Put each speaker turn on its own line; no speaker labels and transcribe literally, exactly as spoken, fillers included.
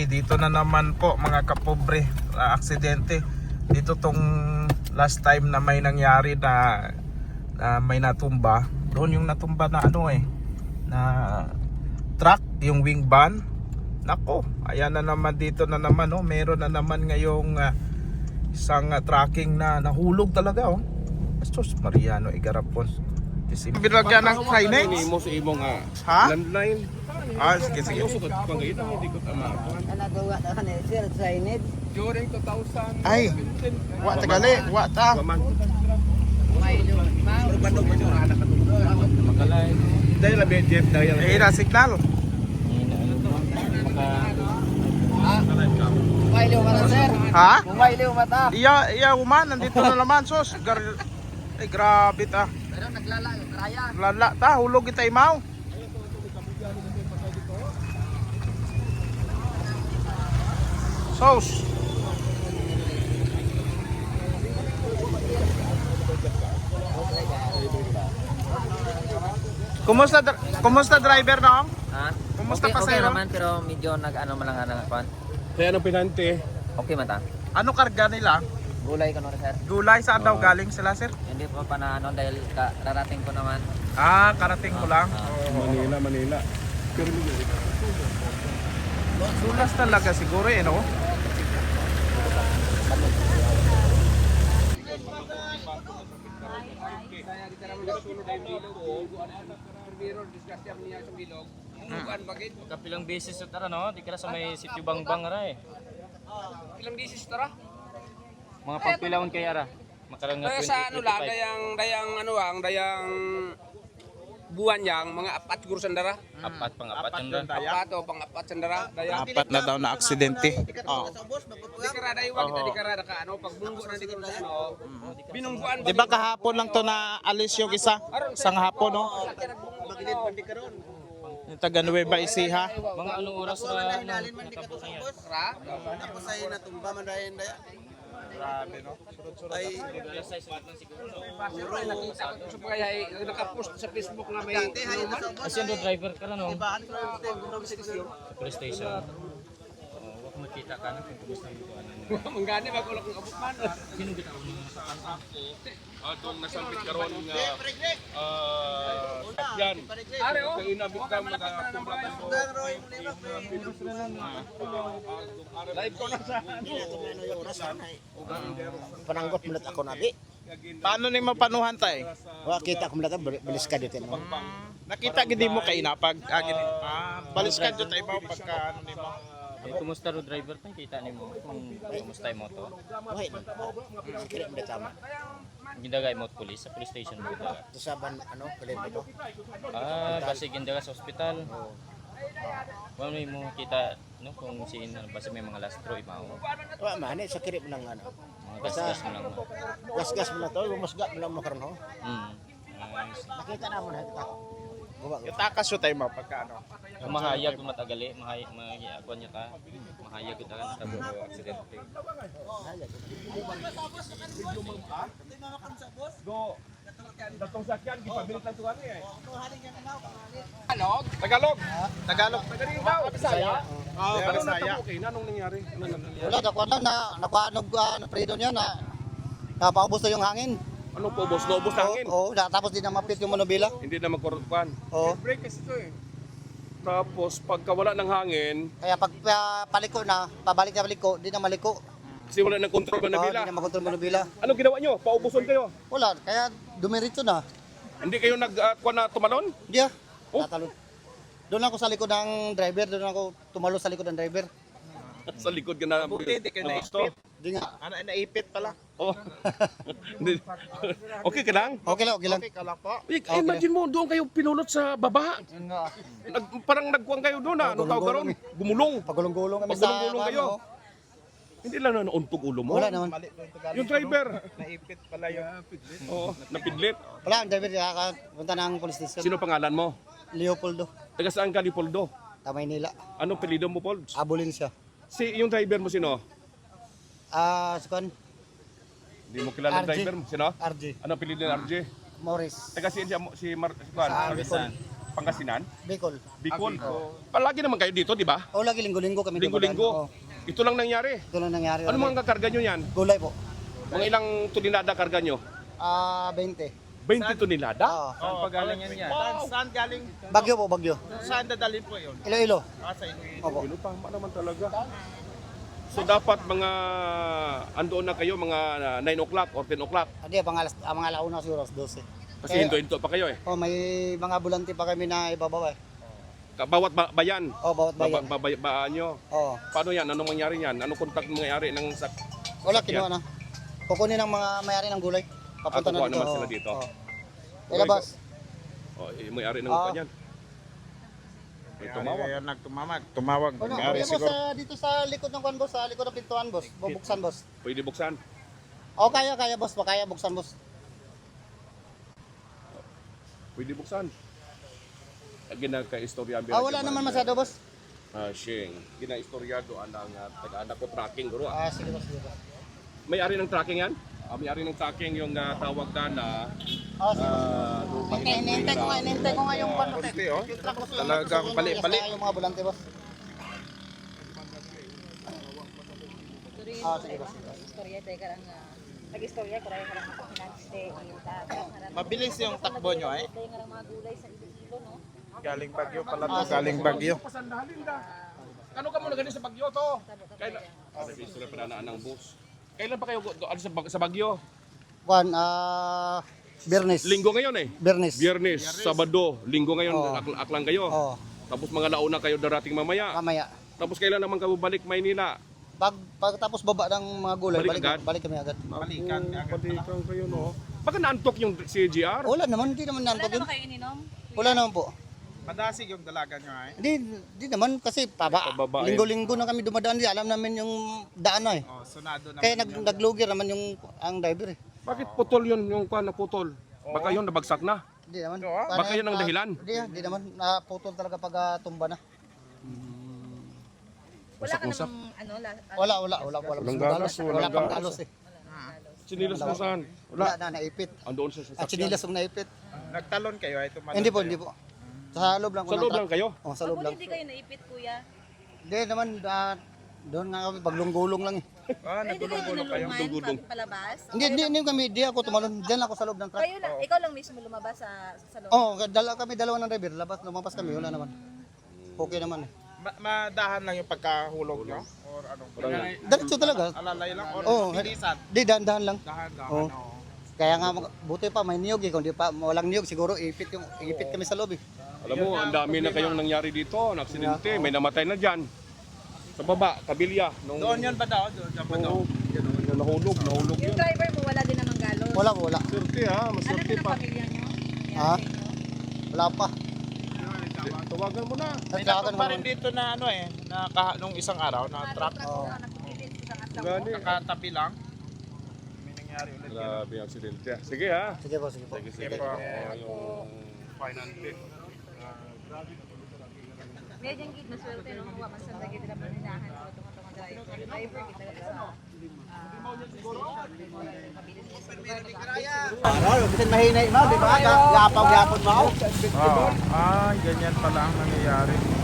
Okay, dito na naman po mga kapobre, uh, aksidente. Dito tong last time na may nangyari na, na may natumba. Doon yung natumba na ano eh, na truck, yung wing van. Nako, ayan na naman dito na naman oh, meron na naman ngayong uh, isang uh, tracking na nahulog talaga oh. Bastos Mariano Igarapon. Binagyan ng signage?
Ini mo sa imong ah,
Ha?
landline.
Ah, sige sige.
Ayos ko pangayit ang hindi ko tama.
Nagawa na kanil sir signage.
During two thousand
Ay, wa tagali, wa ta.
Dahil labi Jeff dahil
Eh, na signal.
Mailiw mata sir.
Ha?
Mailiw mata.
Iya, iya uman, nandito na naman sos. Gar Ay, grabe ta.
Pero naglala yung raya.
Lala ta, hulog kita imaw. Sos. Kumusta dr- kumusta driver na?
Ha?
Kumusta
okay,
pasero?
Okay naman pero medyo nag-ano man lang ano kwan.
kaya nang pinante.
Okay man ta.
Ano karga nila?
Gulay ko no sir.
Gulay saan daw galing sila, sir?
Hindi pa pa na ano dahil ka, rarating ko naman.
Ah, karating ko lang.
Ah,
Oo.
Manila, Manila. Pero
Sulas talaga siguro eh, no?
Kapilang beses sa tara no, di ka na sa may sitio Bangbang ra eh.
Ilang bisis tara?
Mga pagpilawon kay ara. Makarang nga
Kaya sa ano lang, dayang, dayang ano ang, dayang buwan yang, mga apat siguro sandara.
apat pang apat yan ra.
Apat o pang apat sandara. Dayang,
Apat na daw na aksidente. Oh.
di karada iwan kita, di karada ka ano, pag bunggo na di ko sa ano, binungguan ba?
Di ba kahapon lang to na alis yung isa? Isang hapon, no? Yung taga Nueva Ecija.
Mga anong oras ra ano, natapos na yan.
Ra?
Ako sa'yo natumba man dahin daya.
Grabe, no?
Ay,
Alas sais lang siguro.
Siguro ay nakita ko sa kaya ay nakapost sa Facebook na may
Kasi yung driver ka na no. Sa police station. Oh, wag makita ka na kung kumusta yung buwan.
manggani ba ko lang kung abot man.
Sino kita mo sa
atong nasampit karon nga ah yan.
Are oh.
Kay inabot ka mga
Live ko na sa
pananggot mulat ako na di.
Paano ni mapanuhan tay?
Wa kita ko mulat balis ka dito no.
Nakita gidi mo kay napag agin. Ah, balis ka jud tay mo pagka ano nimo.
Eh, kumusta ro driver pa kita nimo kung kumusta yung moto?
Wait. Kira mo tama.
Gindagay mo police sa police station mo gindagay.
Sa ban ano, kailan ito?
Ah, basi gindagay sa ospital. Wala mo kita no kung siin basi may mga lastro imaw.
Wa man sa kiri mo lang ano.
Mga gas-gas mo lang.
Gas-gas mo na to, lumusga mo lang makaron ho.
Hmm. Nice.
Nakita na mo na ito. Guwa.
Yung takas yo tay mo pagka ano.
Kung mahayag kung matagali, mahayag mahayag niya ta. Mahayag kita kan sa buo aksidente.
go. Datong sakyan gipabilit lang tuwan eh.
Tagalog.
Tagalog. Tagalog.
Tagaligaw.
Bisaya.
Oh,
Ano
Bisaya.
okay na nung nangyari? Ano nangyari?
Wala ako na na nakuanog na predo niya na napaubos na yung hangin.
Ano po boss? Naubos na hangin.
Oo, na- tapos di na mapit yung monobila.
Hindi na magkorokpan.
Oo.
Break kasi ito eh. Tapos pagka wala ng hangin,
Kaya pag pa, paliko na, pabalik na paliko, di na maliko.
kasi wala ng control ba
Oo,
nabila.
di na makontrol monobila.
Anong ginawa nyo? Paubuson kayo?
Wala, kaya dumiritso na.
Hindi kayo nag-kuha na tumalon?
Di ah.
Oh.
Tatalon. Doon ako sa likod ng driver, doon ako tumalo sa likod ng driver.
Sa likod ka na.
Buti di ka naipit.
Di nga.
Ano naipit pala.
Oh. Hindi. Okay ka lang?
Okay lang, okay lang.
Okay ka lang po.
Eh, imagine mo, doon kayo pinulot sa baba. Nag, parang nagkuhan kayo doon ah. Anong tawag karon? Gumulong.
Pagulong-gulong kami sa
Pagulong-gulong kayo.
ano.
Hindi lang na nauntog ulo mo.
Wala naman.
Mali yung Tagalog.
Yung driver.
Naipit pala yung
Oo, napidlit.
Wala, ang driver nakakapunta ng police station.
Sino pangalan mo?
Leopoldo,
Taga saan ka, Lipoldo?
Tamay nila.
Anong pelido mo, Paul?
Abulin siya.
Si yung driver mo sino?
Ah, uh,
Hindi mo kilala ang
R J.
driver mo. Sino?
R J.
Anong pelido ng R J?
Morris.
Taga si, si, si Mar... Si Juan.
Sa
Marvisan. Pangasinan,
Bicol.
Bicol. Palagi naman kayo dito, di ba?
O lagi linggo-linggo kami.
Linggo-linggo.
dumadaan.
Ito lang nangyari.
Oo, ito lang nangyari.
Ano mga karga nyo yan?
Gulay po.
Mga ilang tuninada karga nyo?
Ah, twenty.
twenty tuninada?
Oo.
Saan pa galing yan yan? Saan, saan galing?
Bagyo po, bagyo.
Saan dadalhin po yun?
Ilo-ilo.
Ah, sa Iloilo.
Opo.
Ano, tama naman talaga. So dapat mga andoon na kayo mga nine o'clock or ten o'clock.
Hindi, pang alas, ah, mga alauna siguro, alas twelve.
Kasi hinto-hinto pa kayo eh.
Oh, may mga bulante pa kami na ibabaw eh.
Ka- Bawat ba- bayan,
Oh, bawat bayan.
ba- ba- baan nyo.
Oh.
Paano yan? Anong mangyari yan? Anong kontak mangyari ng sak?
Wala,
Sakyan.
kinuha na. Kukunin ng mga may-ari ng gulay. Papunta
Ah, kukuha
na dito.
naman sila
oh.
dito.
Oh. Ilabas.
Oh, eh, may-ari ng
Ah.
kanyan. May tumawag.
Kaya nagtumawag. Tumawag.
Ano,
May-ari
boss,
siguro.
sa, dito sa likod ng kwan, boss, sa likod ng pintuan, boss. Bubuksan, boss.
Pwede buksan.
Oh, kaya, kaya, boss. Kaya buksan, boss.
Pwede buksan. Ginagka-istorya.
Ah, wala naman masyado, boss.
Ah, Shing. Gina-istoryado anang uh, taga-anak ko tracking guro.
Ah, sige, boss. Sige, boss.
May-ari ng tracking yan? Ah, may-ari ng tracking yung uh, tawag na na
Ah, sige, boss.
ah,
Okay, inintay ko nga, inintay ko nga yung kwan, boss.
Konti, oh.
Yung truck, boss. yung-
Talagang
yung-
bali-bali.
Yung mga bulante, boss. Ah, sige, boss. sige, boss.
Istorya tayo karang nag-istorya ko rin karang finance
Mabilis yung takbo nyo eh.
tayo karang mga gulay sa Iloilo no.
Galing Bagyo pala to. Galing Bagyo.
pasandahalin da. Ano ka muna ganun sa Bagyo to? Kailan? Ah, nag-istorya pa na ng bus. Kailan pa kayo do- ano, sa, Bag- sa Bagyo?
Kwan, ah, Bernes.
Linggo ngayon eh.
Bernes.
Biyernes, Sabado, Linggo ngayon,
Oo.
ak- aklang kayo.
Oh,
Tapos mga nauna kayo darating mamaya.
mamaya.
Tapos kailan naman kayo balik Maynila?
Pag pagtapos baba ng mga gulay,
Balik
balik,
agad?
balik kami agad.
Balikan.
Balikan kayo no. Baka naantok yung si G R?
Wala naman, hindi naman
Wala
nanto
naman
yun.
kayo ininom?
Wala naman po.
Madasig yung dalaga nyo eh.
Hindi, hindi naman kasi paba,
Pababa, eh.
linggo-linggo na kami dumadaan, di alam namin yung daan na eh.
Oh, sunado naman.
Kaya nag,
yun.
naglugir naman yung ang driver eh.
Bakit putol yun yung kwan na putol? Baka yun nabagsak na.
Hindi naman.
Oo, ah.
Paano
Baka yun ang
ah,
dahilan?
Hindi, hindi naman. Naputol talaga pag ah, tumba na.
Wala ka namang ano, la, ano
Wala, wala, wala. Wala,
Walang
wala,
galos,
wala,
walang
pang
galos.
galos eh.
Sinilas na saan?
Wala
Wala.
na, naipit.
Andoon sa
At
sasakyan.
sinilas ang naipit.
Nagtalon kayo ay tumalon.
Hindi po,
kayo.
hindi po. Sa loob lang. ko
Sa
ng
loob
truck.
lang kayo?
Oh, sa loob
Pag
lang.
hindi kayo naipit kuya.
Hindi naman, ah, doon nga kami, paglunggulong lang eh.
Ah,
Ay, hindi kayo
nagulong-gulong kayo.
inulungan
Dugudong.
pag palabas.
Hindi, hindi, hindi kami, di ako tumalon. Diyan ako sa loob ng truck.
Kayo lang, ikaw lang mismo lumabas sa sa salon.
Oo, oh, dala kami, dalawa ng driver. Labas, lumabas kami, wala naman. Okay naman eh.
Ma- madahan lang yung pagkahulog nyo? Or ano?
Diretso talaga.
Alalay lang? Or
Oo,
bilisan?
di, dahan-dahan lang.
Dahan-dahan.
Oo.
Oo.
Kaya nga, mag- buti pa, may niyog eh. Kung di pa, walang niyog, siguro ipit, yung, ipit kami sa loob eh.
Alam mo, ang dami na kayong nangyari dito, na aksidente, may namatay na dyan. Sa baba, kabilya. Nung,
Doon yan ba daw? Doon yan ba daw?
Oo, yung nahulog, nahulog
Yung
yun.
driver mo wala din namang galos.
Wala, wala.
Swerte ha,
Ano
maswerte
din ang
pa.
pamilya niyo? Nangyari
Ha?
sa inyo?
Wala pa.
Tawagan mo na.
May
Naglagan
natumba rin
naman.
dito na ano eh, na kaha, nung isang araw na truck.
Oo.
Nagpipilit sa atlang
Gani.
Nakatabi lang. May nangyari ulit yun.
Grabe yung aksidente. Sige ha.
Sige po, sige po.
Sige, sige.
Sige po.
Oo, yung finance.
Medyo gid na swerte no wa man sa lagi nila paninahan ko tong tong driver. Driver kita sa
Ano, bitin mahinay mo, di ba? Gapaw-gapon mo.
Oh, ah, ganyan pala ang nangyayari.